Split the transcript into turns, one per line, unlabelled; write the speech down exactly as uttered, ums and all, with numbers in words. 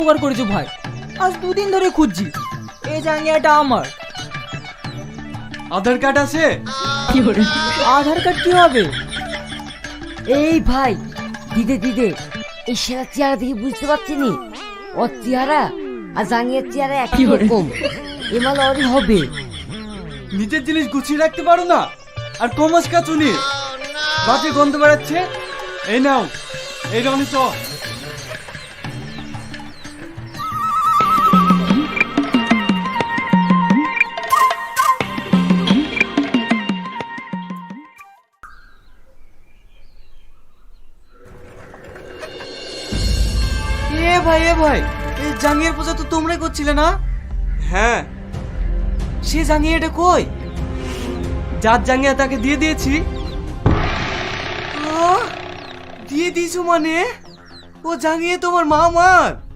উপকার করেছো ভাই। আজ দুদিন ধরে খুঁজছি, এই জাঙ্গিয়াটা আমার।
আধার কার্ড আছে?
আধার কার্ড কি হবে?
এই ভাই, দিদে দিদে, এই সেরা চেহারা দেখে বুঝতে পারছি নি ওর চেহারা আর জাঙ্গিয়ার চেহারা একই রকম। এমাল ওরই হবে।
নিজের জিনিস গুছিয়ে রাখতে পারো না, আর কমাস কাচুনি বাজে গন্ধ বেড়াচ্ছে। এই নাও, এই রনি চ। এ ভাই এ ভাই, এই জাঙ্গিয়ার পূজা তো তোমরাই করছিলে না? হ্যাঁ। সে জাঙ্গিয়াটা কই? যার জাঙ্গিয়া তাকে দিয়ে দিয়েছি। আহ, দিয়ে দিয়েছো মানে? ও জাঙ্গিয়ে তোমার মা আমার?